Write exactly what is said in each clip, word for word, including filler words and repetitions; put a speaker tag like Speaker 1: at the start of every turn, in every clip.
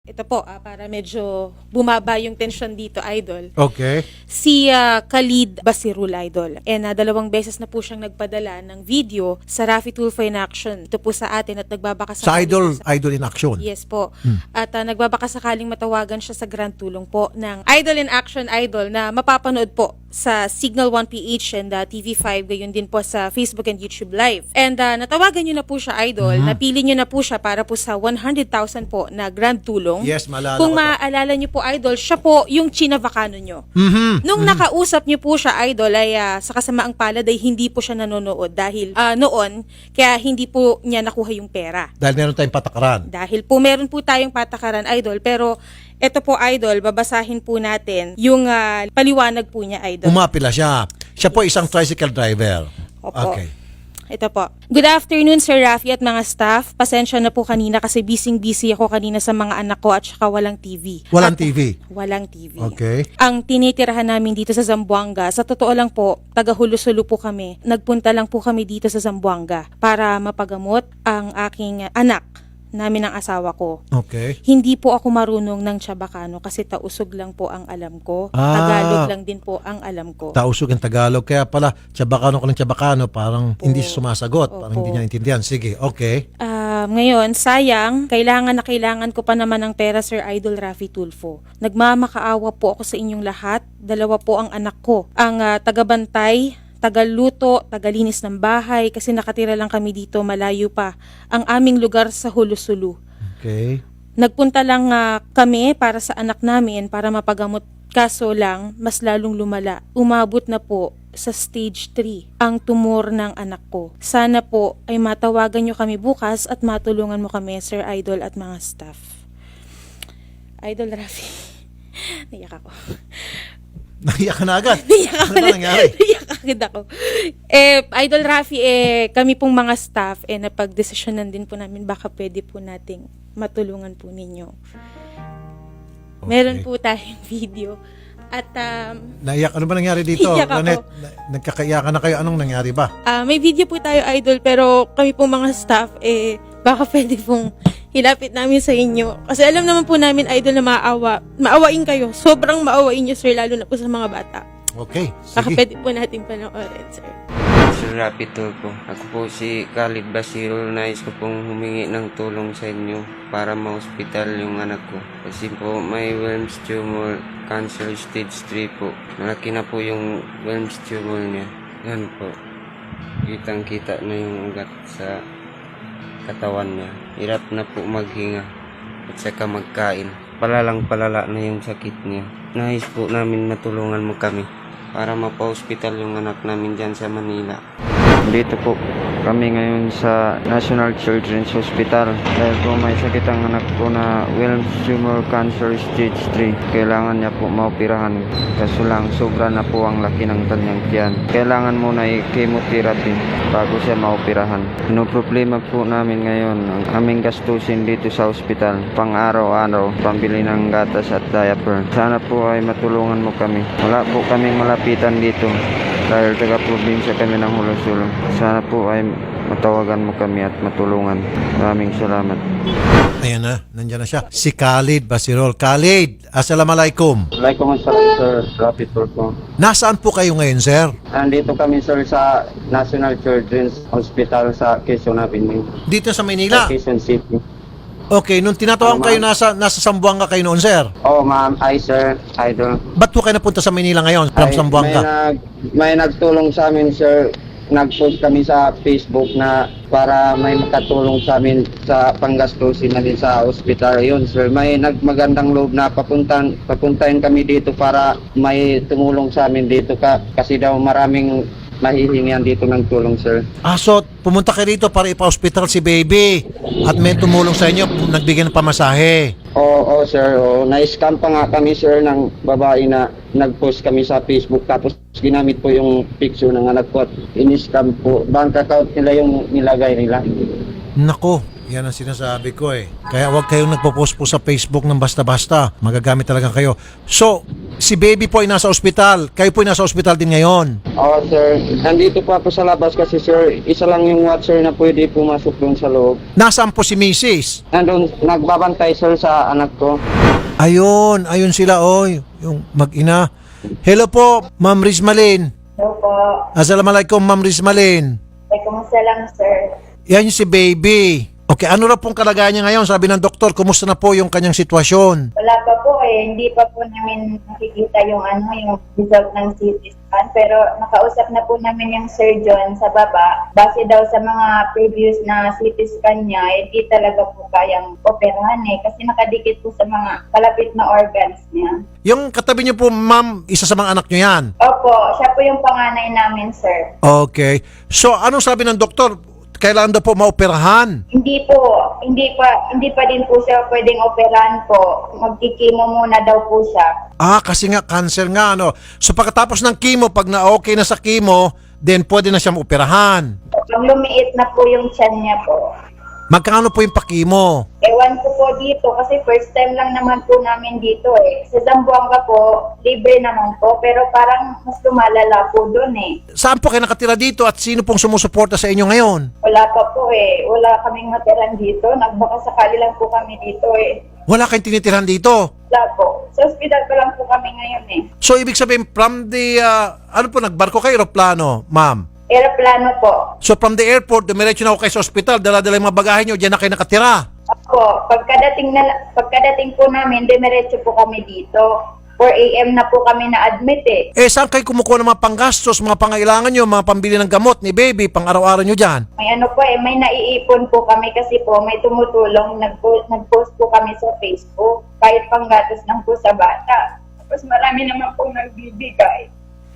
Speaker 1: Ito po, ah, para medyo bumaba yung tension dito, Idol.
Speaker 2: Okay.
Speaker 1: Si ah, Khalid Basirul, Idol. And ah, dalawang beses na po siyang nagpadala ng video sa Raffy Tulfo in Action. Ito po sa atin at nagbabaka
Speaker 2: Sa Idol, Idol in Action.
Speaker 1: Yes po. At ah, nagbabaka sakaling matawagan siya sa grand tulong po ng Idol in Action, Idol, na mapapanood po sa Signal one P H and uh, T V five, gayon din po sa Facebook and YouTube Live. And uh, natawagan nyo na po siya, Idol.
Speaker 2: Mhm.
Speaker 1: Napili nyo na po siya para po sa one hundred thousand po na grand tulong.
Speaker 2: Yes, maalala
Speaker 1: Kung
Speaker 2: ko to.
Speaker 1: maaalala nyo po, Idol, siya po yung chinavacano nyo.
Speaker 2: Mhm.
Speaker 1: Nung nakausap nyo po siya, Idol, ay uh, sa kasamaang palad ay hindi po siya nanonood dahil uh, noon, kaya hindi po niya nakuha yung pera.
Speaker 2: Dahil meron tayong patakaran.
Speaker 1: Dahil po meron po tayong patakaran, Idol, pero ito po, Idol, babasahin po natin yung ah, paliwanag po niya, Idol.
Speaker 2: Umapila siya. Siya po isang tricycle driver.
Speaker 1: Opo.
Speaker 2: Okay.
Speaker 1: Ito po. Good afternoon, Sir Raffy at mga staff. Pasensya na po kanina kasi busy-busy ako kanina sa mga anak ko at saka walang T V.
Speaker 2: Walang
Speaker 1: At-
Speaker 2: T V.
Speaker 1: Walang T V.
Speaker 2: Okay.
Speaker 1: Ang tinitirahan namin dito sa Zamboanga, sa totoo lang po, taga-Hulo-Sulo po kami. Nagpunta lang po kami dito sa Zamboanga para mapagamot ang aking anak namin ng asawa ko.
Speaker 2: Okay.
Speaker 1: Hindi po ako marunong ng Chabacano kasi tausog lang po ang alam ko.
Speaker 2: Ah.
Speaker 1: Tagalog lang din po ang alam ko.
Speaker 2: Tausog ang Tagalog. Kaya pala, Chabacano ko ng Chabacano, parang
Speaker 1: Opo.
Speaker 2: hindi siya sumasagot. Parang
Speaker 1: Opo.
Speaker 2: hindi niya intindihan. Sige, okay.
Speaker 1: Ah, ngayon, sayang, kailangan na kailangan ko pa naman ng pera, Sir Idol Raffy Tulfo. Nagmamakaawa po ako sa inyong lahat. Dalawa po ang anak ko. Ang ah, tagabantay, tagaluto, tagalinis ng bahay kasi nakatira lang kami dito, malayo pa ang aming lugar sa Hulo-Sulo.
Speaker 2: Okay.
Speaker 1: Nagpunta lang ah, kami para sa anak namin para mapagamot, kaso lang mas lalong lumala. Umabot na po sa stage three ang tumor ng anak ko. Sana po ay matawagan nyo kami bukas at matulungan mo kami, Sir Idol at mga staff. Idol Raffy, naiyak ako.
Speaker 2: Naiyak ka na agad.
Speaker 1: Naiyak ako.
Speaker 2: Ano ba nangyari?
Speaker 1: Naiyak agad ako. Eh, Idol Raffy, eh, kami pong mga staff, eh, napag-desisyonan din po namin baka pwede po nating matulungan po ninyo.
Speaker 2: Okay.
Speaker 1: Meron po tayong video. At um,
Speaker 2: Naiyak. Ano ba nangyari dito?
Speaker 1: Naiyak ako.
Speaker 2: Ranette, na- nagkakaiyakan na kayo. Anong nangyari ba?
Speaker 1: ah, may video po tayo, Idol, pero kami pong mga staff, eh, baka pwede pong hilapit namin sa inyo. Kasi alam naman po namin, Idol, na maawa. Maawain kayo. Sobrang maawain nyo, sir, lalo na po sa mga bata.
Speaker 2: Okay.
Speaker 1: Baka
Speaker 2: Sige.
Speaker 1: pwede po natin panoorin, sir.
Speaker 3: Sir Raffy Tulfo. Ako po si Khalid Basirul. Nais ko pong humingi ng tulong sa inyo para ma-hospital yung anak ko. Kasi po may Wilms tumor, cancer stage three po. Malaki na po yung Wilms tumor niya. Yan po. Kitang kita na yung ugat sa katawan niya. Hirap na po maghinga at saka magkain. Palalang palala na yung sakit niya. Nais po namin matulungan mo kami para mapa-hospital yung anak namin dyan sa Manila. Dito po kami ngayon sa National Children's Hospital dahil po may sakit ang anak ko na Wilms tumor cancer stage three. Kailangan niya po maoperahan kaso lang sobra na po ang laki ng kanyang tiyan. Kailangan muna i-chemotherapy bago siya maoperahan. No problema po namin ngayon ang aming gastusin dito sa hospital pang araw-araw, pambili ng gatas at diaper. Sana po ay matulungan mo kami. Wala po kaming malapitan dito dahil taga-probinsya kami ng Hulo-Sulo. Sana po ay matawagan mo kami at matulungan. Maraming salamat.
Speaker 2: Ayan na. Nandiyan na siya. Si Khalid Basirul. Khalid, assalamualaikum.
Speaker 4: Waalaikumsalam, Sir Raffy Tulfo.
Speaker 2: Nasaan po kayo ngayon, sir?
Speaker 4: Nandito kami, sir, sa National Children's Hospital sa Quezon Avenue,
Speaker 2: Dito sa
Speaker 4: sa
Speaker 2: Manila.
Speaker 4: Quezon City.
Speaker 2: Okay, nung tinatawag
Speaker 4: Ano,
Speaker 2: kayo
Speaker 4: ma'am?
Speaker 2: nasa nasa Zamboanga kayo noon, sir.
Speaker 4: Oh, ma'am, ay, sir, idol.
Speaker 2: Ba't po kayo napunta sa Manila ngayon from
Speaker 4: Ay,
Speaker 2: Zamboanga?
Speaker 4: May, nag, may nagtulong sa amin, sir. Nag-post kami sa Facebook na para may makatulong sa amin sa panggastusin namin sa hospital. Yun, sir. May nagmagandang loob na papuntan, papuntahin kami dito para may tumulong sa amin dito ka. Kasi daw maraming mahihingian dito ng tulong, sir.
Speaker 2: Ah, so pumunta kayo dito para ipa-hospital si baby at may tumulong sa inyo, nagbigay ng pamasahe.
Speaker 4: Oo, oh, sir. Oh, na-scam pa nga kami, sir, ng babae na nag-post kami sa Facebook. Tapos ginamit po yung picture ng anak ko at in-scam po. Bank account nila yung nilagay nila.
Speaker 2: Nako, Yan ang sinasabi ko eh. Kaya huwag kayong nagpo-post po sa Facebook ng basta-basta. Magagamit talaga kayo. So, si baby po ay nasa ospital. Kayo po ay nasa ospital din ngayon.
Speaker 4: Oo, sir. Nandito po ako sa labas kasi, sir, isa lang yung watcher na pwede pumasok doon sa loob.
Speaker 2: Nasaan po si Missus?
Speaker 4: Nandun, nagbabantay, sir, sa anak ko.
Speaker 2: Ayun, ayun sila oy. Yung mag-ina. Hello po, Ma'am Rizmalin.
Speaker 5: Hello po.
Speaker 2: Assalamualaikum, Ma'am Rizmalin.
Speaker 5: Ay, kumusta lang, sir?
Speaker 2: Yan yung si baby. Okay, ano na pong kalagayan niya ngayon? Sabi ng doktor, kumusta na po yung kanyang sitwasyon?
Speaker 5: Wala pa po eh. Hindi pa po namin nakikita yung ano, yung result ng C T scan. Pero nakausap na po namin yung surgeon sa baba. Base daw sa mga previous na C T scan niya, hindi talaga po kayang operahan eh. Kasi nakadikit po sa mga kalapit na organs niya.
Speaker 2: Yung katabi niyo po, ma'am, isa sa mga anak niyo yan?
Speaker 5: Opo, siya po yung panganay namin, sir.
Speaker 2: Okay. So, anong sabi ng doktor? Kailangan daw po maoperahan.
Speaker 5: Hindi po, hindi pa hindi pa din po siya pwedeng operahan po. Magkikimo muna daw po siya.
Speaker 2: Ah, kasi nga, cancer nga, ano. So, pagkatapos ng chemo, pag na-okay na sa chemo, then pwede na siyang operahan.
Speaker 5: Pag lumiit na po yung tiyan niya po.
Speaker 2: Magkano po yung pa-chemo?
Speaker 5: Ewan ko po dito kasi first time lang naman po namin dito eh. Sa Zamboanga po, libre naman po pero parang mas lumalala po doon eh.
Speaker 2: Saan po kayo nakatira dito at sino pong sumusuporta sa inyo ngayon?
Speaker 5: Wala pa po eh. Wala kaming matiran dito. Nagbaka sakali lang po kami dito eh.
Speaker 2: Wala kayong tinitirahan dito?
Speaker 5: Wala po. Sa ospital pa lang po kami ngayon eh.
Speaker 2: So, ibig sabihin, from the, uh, ano po, nagbarko kayo, aeroplano, ma'am?
Speaker 5: Aeroplano po.
Speaker 2: So, from the airport, dumiretso na ako kayo sa ospital, dala-dala yung mga bagahe nyo, dyan na kayo nakatira.
Speaker 5: Opo. Pagkadating, na, pagkadating po namin, demiretso po kami dito. four a.m. na po kami na-admit eh.
Speaker 2: Eh, saan kayo kumukuha ng mga panggastos, mga pangailangan nyo, mga pambili ng gamot ni baby, pang araw-araw nyo dyan?
Speaker 5: May ano po eh, may naiipon po kami kasi po may tumutulong, nagpo- nag-post po kami sa Facebook, kahit panggatos lang po sa bata. Tapos marami naman po nagbibigay.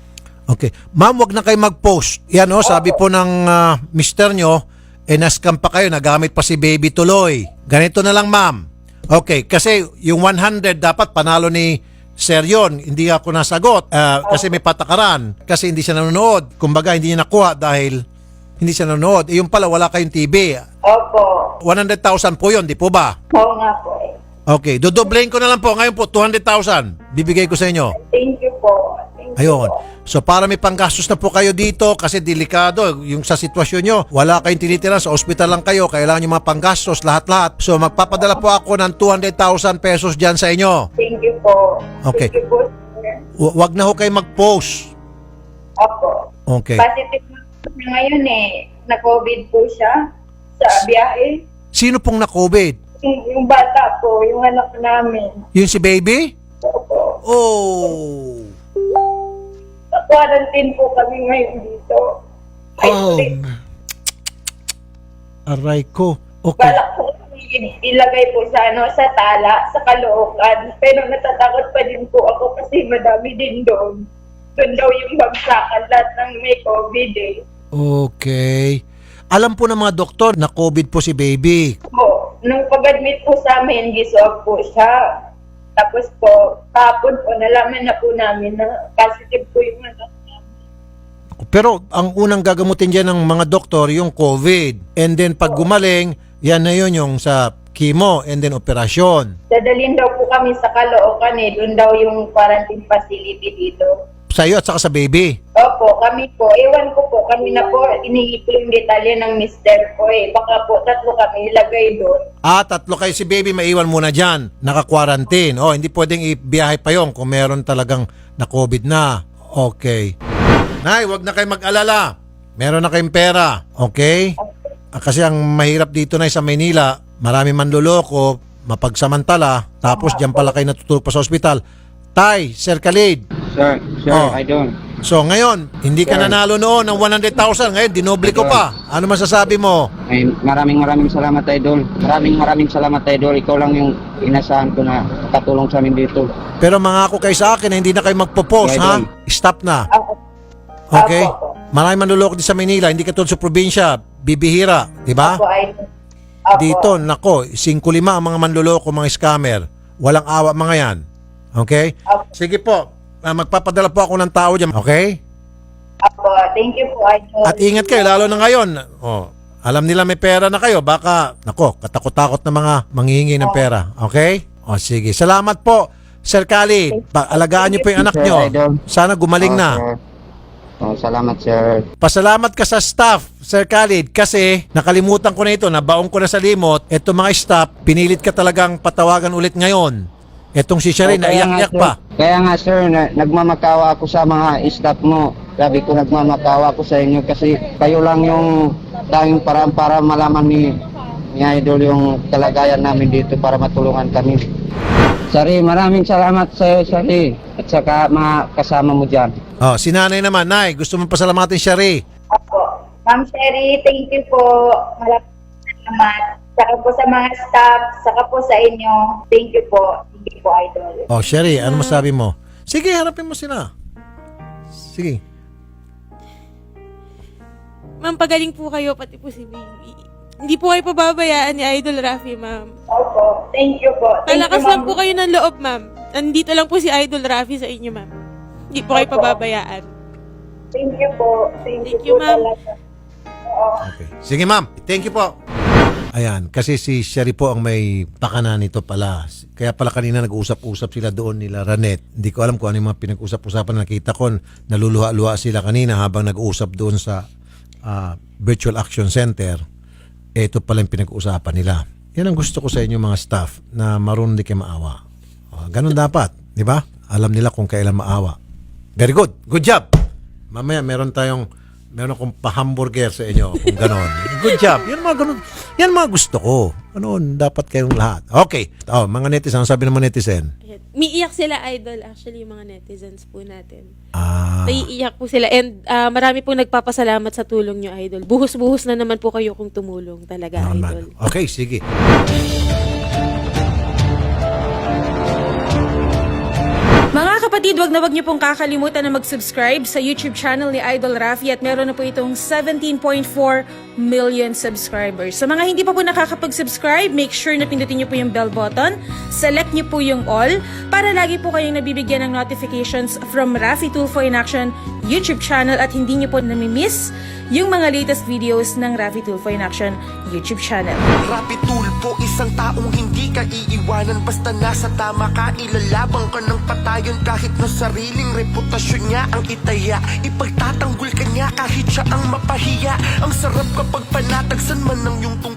Speaker 2: Okay. Ma'am, wag na kayo mag-post. Yan o, sabi po ng ah, mister nyo, eh, nascam pa kayo, nagamit pa si baby tuloy. Ganito na lang, ma'am. Okay, kasi yung one hundred dapat panalo ni Sir yun. Hindi ako nasagot ah, kasi may patakaran. Kasi hindi siya nanonood. Kumbaga, hindi niya nakuha dahil hindi siya nanonood. Eh, yung pala, wala kayong T V.
Speaker 5: Opo.
Speaker 2: one hundred thousand po yun, di po ba?
Speaker 5: Oo nga po eh.
Speaker 2: Okay, dodoblein ko na lang po. Ngayon po, two hundred thousand. Bibigay ko sa inyo.
Speaker 5: Thank you po. Thank you
Speaker 2: Ayun.
Speaker 5: po.
Speaker 2: So para may panggastos na po kayo dito kasi delikado yung sa sitwasyon nyo. Wala kayong tinitira, sa ospital lang kayo. Kailangan yung mga panggastos, lahat-lahat. So magpapadala po ako ng two hundred thousand pesos dyan sa inyo.
Speaker 5: Thank you po.
Speaker 2: Okay.
Speaker 5: Thank you po, sir.
Speaker 2: W- wag na ho kayo mag-post.
Speaker 5: Opo.
Speaker 2: Okay.
Speaker 5: Positive na po siya ngayon eh. Na-COVID po siya sa biyahe.
Speaker 2: Sino pong na-COVID?
Speaker 5: Yung, yung bata po, yung anak namin.
Speaker 2: Yung si baby?
Speaker 5: Opo.
Speaker 2: Oh.
Speaker 5: Quarantine po kami ngayon dito.
Speaker 2: Oh.
Speaker 5: Isolate.
Speaker 2: Aray ko. Okay.
Speaker 5: Balak po kami ilagay po sa ano sa tala, sa Caloocan. Pero natatakot pa din po ako kasi madami din doon. Doon daw yung bagsakan lahat ng may COVID eh.
Speaker 2: Okay. Alam po ng mga doktor na COVID po si baby.
Speaker 5: Po, nung pag-admit po sa amin, giswag po siya. Tapos po, kahapon po, nalaman na po namin na positive po yung anak namin.
Speaker 2: Pero ang unang gagamutin dyan ng mga doktor yung COVID. And then pag gumaling, yan na yun yung sa chemo and then operasyon.
Speaker 5: Dadalhin daw po kami sa Caloocan eh. Doon daw yung quarantine facility dito.
Speaker 2: Sa iyo at saka sa baby.
Speaker 5: Opo, kami po. Ewan ko po, kami na po inihipo yung detalye ng mister ko eh. Baka po tatlo kami ilagay doon.
Speaker 2: Ah, tatlo kayo si baby, maiwan muna dyan. Naka-quarantine. Oh, hindi pwedeng ibiyahe pa yon kung meron talagang na-COVID na. Okay. Nay, wag na kayo mag-alala. Meron na kayong pera. Okay? Ah, kasi ang mahirap dito na sa Maynila, marami manloloko, mapagsamantala, tapos dyan pala kayo natutulog pa sa ospital. Tay, Sir Khalid.
Speaker 4: Sir, sir,
Speaker 2: Oh.
Speaker 4: I don't.
Speaker 2: So ngayon, hindi ka nanalo noon ng one hundred thousand. Ngayon, dinoble ko pa. Ano masasabi mo?
Speaker 4: Ay, maraming maraming salamat, Idol. Maraming maraming salamat, Idol. Ikaw lang yung inasahan ko na katulong sa amin dito.
Speaker 2: Pero mangako kayo sa akin na hindi na kayo magpo-post,
Speaker 4: Yeah,
Speaker 2: ha?
Speaker 4: Idol.
Speaker 2: Stop na.
Speaker 5: Ako.
Speaker 2: Okay?
Speaker 5: Opo.
Speaker 2: Maraming manluloko din sa Manila. Hindi katulad sa probinsya. Bibihira. Di ba?
Speaker 5: Opo, ay. Opo.
Speaker 2: Dito, nako, singko lima ang mga manluloko, mga scammer. Walang awa mga yan. Okay?
Speaker 5: Opo.
Speaker 2: Sige po. Ah, magpapadala po ako ng tao dyan. Okay?
Speaker 5: Opo, thank you po, Idol.
Speaker 2: At ingat kayo, lalo na ngayon. Oh, Alam nila may pera na kayo, baka, nako, katakot-takot na mga manghihingi ng pera. Okay? O sige, salamat po, Sir Khalid. Alagaan niyo po yung anak
Speaker 4: Sir
Speaker 2: niyo.
Speaker 4: Idol.
Speaker 2: Sana gumaling
Speaker 4: Oo,
Speaker 2: na.
Speaker 4: sir. Oo, salamat, sir.
Speaker 2: Pasalamat ka sa staff, Sir Khalid, kasi nakalimutan ko na ito, nabaong ko na sa limot. Ito mga staff, pinilit ka talagang patawagan ulit ngayon. Etong si Sherry,
Speaker 4: Oo, kaya
Speaker 2: naiyak-iyak
Speaker 4: nga,
Speaker 2: pa.
Speaker 4: sir. Kaya nga, sir, na, nagmamakawa ako sa mga staff mo. Sabi ko, nagmamakawa ako sa inyo kasi kayo lang yung tanging paraan para malaman ni, ni Idol yung kalagayan namin dito para matulungan kami. Sari, maraming salamat sa iyo, Sari. At saka mga kasama mo dyan.
Speaker 2: Oh, si nanay naman, Nay, gusto mong pasalamatin Sherry.
Speaker 5: Opo. Ma'am Sherry, thank you po. Maraming salamat. Saka po sa mga staff, saka po sa inyo. Thank you po. Thank you po, Idol.
Speaker 2: Oh, Sherry, ano masabi mo? Sige, harapin mo sila. Sige.
Speaker 6: Ma'am, pagaling po kayo, pati po si baby. Hindi po kayo pababayaan ni Idol Rafi, ma'am.
Speaker 5: Opo. Thank you po. Thank
Speaker 6: Malakas
Speaker 5: you,
Speaker 6: lang
Speaker 5: ma'am.
Speaker 6: po kayo ng loob, ma'am. Nandito lang po si Idol Rafi sa inyo, ma'am. Hindi po kayo
Speaker 5: Opo.
Speaker 6: pababayaan.
Speaker 5: Thank you po. Thank,
Speaker 6: Thank
Speaker 5: you
Speaker 6: you,
Speaker 5: po
Speaker 6: ma'am.
Speaker 5: talaga. Oo.
Speaker 2: Okay. Sige, ma'am. Thank you po. Ayan, kasi si Sherry po ang may pakana nito pala. Kaya pala kanina nag-usap-usap sila doon nila Ranet. Hindi ko alam kung ano yung mga pinag-usap-usapan. Nakita ko, naluluha-luha sila kanina habang nag-uusap doon sa ah, Virtual Action Center. Ito pala yung pinag-uusapan nila. Yan ang gusto ko sa inyo mga staff na marunong di kayo maawa. Oh, ganun dapat, di ba? Alam nila kung kailan maawa. Very good. Good job. Mamaya meron tayong meron akong pa-hamburger sa inyo kung ganon. Good job. Yan mga ganon. Yan mga gusto ko. Ano, dapat kayong lahat. Okay. Oh, mga netizen, ano sabi ng mga netizen?
Speaker 6: Ayan. Umiiyak sila, Idol, actually, yung mga netizens po natin.
Speaker 2: Ah,
Speaker 6: Naiiyak po sila. And ah, marami pong nagpapasalamat sa tulong nyo, Idol. Buhos-buhos na naman po kayo kung tumulong talaga, Idol.
Speaker 2: naman. Okay, sige.
Speaker 1: Mga kapatid, wag na wag niyo pong kakalimutan na mag-subscribe sa YouTube channel ni Idol Rafi at meron na po itong seventeen point four million subscribers. Sa mga hindi pa po nakakapag-subscribe, make sure na pindutin niyo po yung bell button, select niyo po yung all para lagi po kayong nabibigyan ng notifications from Rafi Tulfo in Action YouTube channel at hindi niyo po namimiss yung mga latest videos ng Rafi Tulfo in Action YouTube channel.
Speaker 7: Rapi Tulfo, isang taong hindi ka iiwanan. Basta nasa tama ka, ilalabang ka ng patayon. Kahit na sariling reputasyon niya ang itaya, ipagtatanggol ka niya kahit siya ang mapahiya. Ang sarap kapag panatagsan man ng iyong tungkol.